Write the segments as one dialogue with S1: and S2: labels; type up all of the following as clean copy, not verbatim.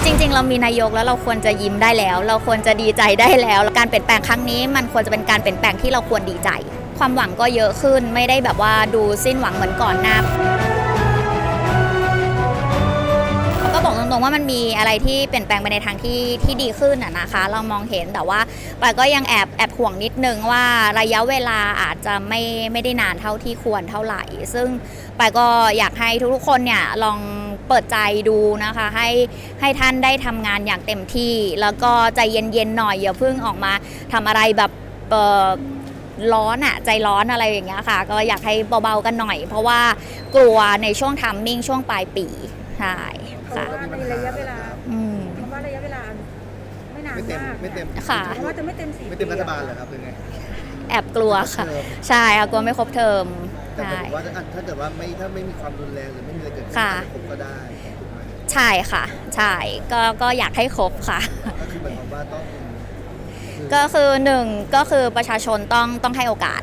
S1: จริงๆเรามีนายกแล้วเราควรจะยิ้มได้แล้วเราควรจะดีใจได้แล้วการเปลี่ยนแปลงครั้งนี้มันควรจะเป็นการเปลี่ยนแปลงที่เราควรดีใจความหวังก็เยอะขึ้นไม่ได้แบบว่าดูสิ้นหวังเหมือนก่อนหน้าก็บอกตรงๆว่ามันมีอะไรที่เปลี่ยนแปลงไปในทางที่ดีขึ้นนะคะเรามองเห็นแต่ว่าปายก็ยังแอบห่วงนิดนึงว่าระยะเวลาอาจจะไม่ได้นานเท่าที่ควรเท่าไหร่ซึ่งปายก็อยากให้ทุกๆคนเนี่ยลองเปิดใจดูนะคะให้ท่านได้ทำงานอย่างเต็มที่แล้วก็ใจเย็นๆหน่อยอย่าเพิ่งออกมาทำอะไรแบบร้อนใจร้อนอะไรอย่างเงี้ยค่ะก็อยากให้เบาๆกันหน่อยเพราะว่ากลัวในช่วงทัมมิ่งช่วงปลายปีใช่ค่ะ
S2: ในระยะเวลาคำว่าระยะเวลาไม่นานมาก
S3: ไม่เต็ม
S1: ค่ะ
S2: เพราะว่าจะไม่เต็ม4
S3: ไม่เต็มรัฐบาลเหรอครับเป็นไง
S1: แอบกลัวค่ะใช่ค่ะกลัวไม่ครบเทอม
S3: แต่ผมว่าถ้าเกิดว่าถ้าไม่มีความรุนแรงหรือไม่มีอะไรเกิดขึ้นครบก็ได้
S1: ใช่ค่ะใช่ก็อยากให้ครบค่ะ
S3: ก็คือหมายความว่าต้อง
S1: ก็คือ1ก็คือประชาชนต้องให้โอกาส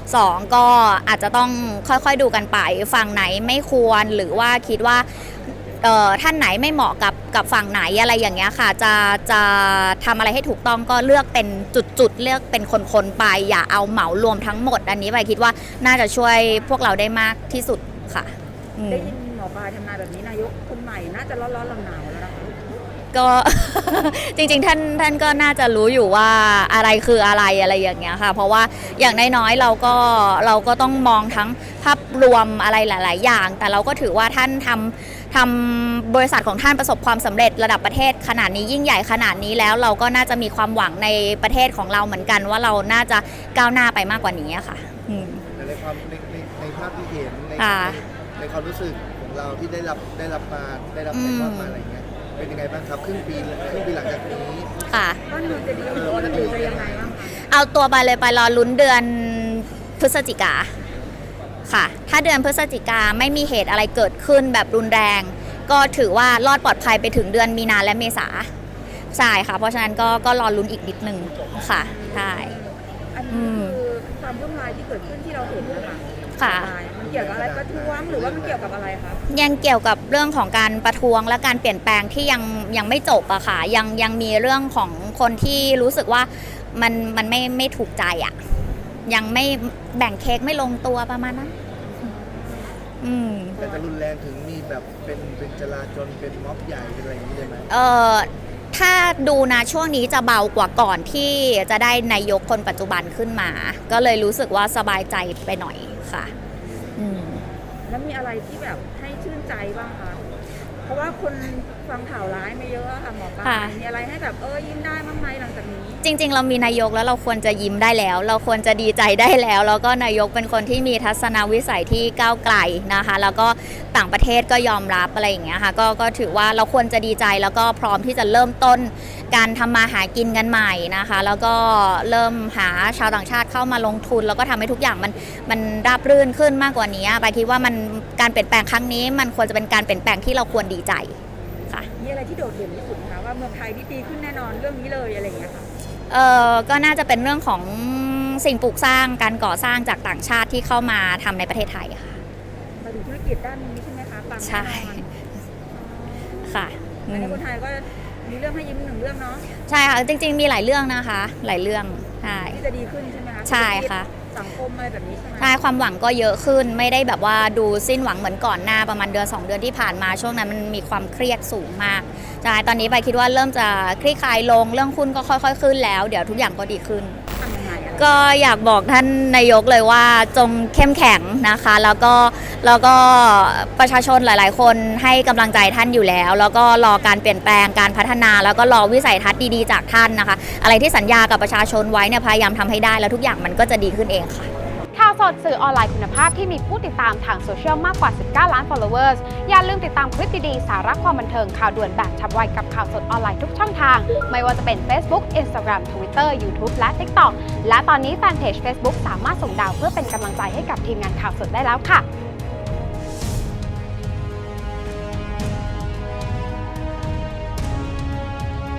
S1: 2ก็อาจจะต้องค่อยๆดูกันไปฝั่งไหนไม่ควรหรือว่าคิดว่าท่านไหนไม่เหมาะกับฝั่งไหนอะไรอย่างเงี้ยค่ะจะทำอะไรให้ถูกต้องก็เลือกเป็นจุดเลือกเป็นคนๆไปอย่าเอาเหมารวมทั้งหมดอันนี้ไปคิดว่าน่าจะช่วยพวกเราได้มากที่สุดค่ะ
S2: ได้ยินหมอปลายทำนายแบบนี้นายกคนใหม่น่าจะร้อนๆหนาวๆแล้วนะคะ
S1: ก็ จริงๆท่านก็น่าจะรู้อยู่ว่าอะไรคืออะไรอย่างเงี้ยค่ะเพราะว่าอย่างน้อยๆเราก็ต้องมองทั้งภาพรวมอะไรหลายๆอย่างแต่เราก็ถือว่าท่านทำบริษัทของท่านประสบความสำเร็จระดับประเทศขนาดนี้ยิ่งใหญ่ขนาดนี้แล้วเราก็น่าจะมีความหวังในประเทศของเราเหมือนกันว่าเราน่าจะก้าวหน้าไปมากกว่านี้ค่ะ
S3: ในความในภาพที่เห็นในความรู้สึกของเราที่ได้รับในความมาอะไรเงี้ยเป็นยังไงบ้างครับครึ่งปีหลังจากนี้
S1: ค่ะ
S2: บ้านเมืองจะดีหรือยังไงบ้างคะ
S1: เอาตัวไปเลยไปรอลุ้นเดือนพฤศจิกาค่ะถ้าเดือนพฤศจิกาไม่มีเหตุอะไรเกิดขึ้นแบบรุนแรงก็ถือว่ารอดปลอดภัยไปถึงเดือนมีนาและเมษาใช่ค่ะเพราะฉะนั้นก็รอลุ้นอีกนิดนึงค่ะใช่
S2: อันนี้คือความวุ่นวายที่เกิดขึ้นที่เราเห็นนะคะ
S1: ค่ะ
S2: มันเกี่ยวกับอะไรประท้วงหรือว่ามันเกี่ยวกับอะไรคะ
S1: ยังเกี่ยวกับเรื่องของการประท้วงและการเปลี่ยนแปลงที่ยังไม่จบอะค่ะยังมีเรื่องของคนที่รู้สึกว่ามันไม่ถูกใจอะยังไม่แบ่งเค้กไม่ลงตัวประมาณนั้น
S3: แต่จะรุนแรงถึงมีแบบเป็นจลาจลเป็นม็อบใหญ่อะไรอย่างนี้เลยไหม
S1: ถ้าดูนะช่วงนี้จะเบากว่าก่อนที่จะได้นายกคนปัจจุบันขึ้นมาก็เลยรู้สึกว่าสบายใจไปหน่อยค่ะ
S2: แล้วมีอะไรที่แบบให้ชื่นใจบ้างคะเพราะว่าคนฟังข่าวร้ายมาเยอะค่ะหมอปลามีอะไรให้แบบยิ้มได้บ้างไหมหลังจากนี้
S1: จริงๆเรามีนายกแล้วเราควรจะยิ้มได้แล้วเราควรจะดีใจได้แล้วแล้วก็นายกเป็นคนที่มีทัศนวิสัยที่ก้าวไกลนะคะแล้วก็ต่างประเทศก็ยอมรับอะไรอย่างเงี้ยค่ะก็ถือว่าเราควรจะดีใจแล้วก็พร้อมที่จะเริ่มต้นการทำมาหากินกันใหม่นะคะแล้วก็เริ่มหาชาวต่างชาติเข้ามาลงทุนแล้วก็ทำให้ทุกอย่างมันราบรื่นขึ้นมากกว่านี้ไปคิดว่ามันการเปลี่ยนแปลงครั้งนี้มันควรจะเป็นการเปลี่ยนแปลงที่เราควรดีใจ
S2: มีอะไรที่โดดเด่นที่สุดคะว่าเมืองไทยที่ดีขึ้นแน่นอนเรื่องนี้เลยอะไรอย่างเงี้ยค่ะ
S1: ก็น่าจะเป็นเรื่องของสิ่งปลูกสร้างการก่อสร้างจากต่างชาติที่เข้ามาทำในประเทศไทยค่ะ
S2: มาดูธุรกิจด้านนี้ใช่ไหมคะปังแน่นอน
S1: ค่ะ
S2: ในคนไทยก็มีเรื่องให้ยิ้ม1 เรื่องเนาะ
S1: ใช่ค่ะจริงๆมีหลายเรื่องนะคะหลายเรื่องใช่
S2: ที่จะดีขึ้นใช่ไหมคะ
S1: ใช่ค่ะ
S2: สังคมอะไรแบบนี้ใช่ไหม
S1: ใช่ความหวังก็เยอะขึ้นไม่ได้แบบว่าดูสิ้นหวังเหมือนก่อนหน้าประมาณเดือน2 เดือนที่ผ่านมาช่วงนั้นมันมีความเครียดสูงมากใช่ตอนนี้ไปคิดว่าเริ่มจะคลี่คลายลงเรื่องหุ้นก็ค่อยๆขึ้นแล้วเดี๋ยวทุกอย่างก็ดีขึ้นก็อยากบอกท่านนายกเลยว่าจงเข้มแข็งนะคะแล้วก็ประชาชนหลายๆคนให้กำลังใจท่านอยู่แล้วก็รอการเปลี่ยนแปลงการพัฒนาแล้วก็รอวิสัยทัศน์ดีๆจากท่านนะคะอะไรที่สัญญากับประชาชนไว้เนี่ยพยายามทำให้ได้แล้วทุกอย่างมันก็จะดีขึ้นเองค่ะ
S4: ข่าวสดสื่อออนไลน์คุณภาพที่มีผู้ติดตามทางโซเชียลมากกว่า19 ล้าน followers อย่าลืมติดตามคลิปดีๆสาระความบันเทิงข่าวด่วนแบบฉับไวกับข่าวสดออนไลน์ทุกช่องทางไม่ว่าจะเป็น Facebook Instagram Twitter YouTube และ TikTok และตอนนี้แฟนเพจ Facebook สามารถส่งดาวเพื่อเป็นกำลังใจให้กับทีมงานข่าวสดได้แล้วค่ะ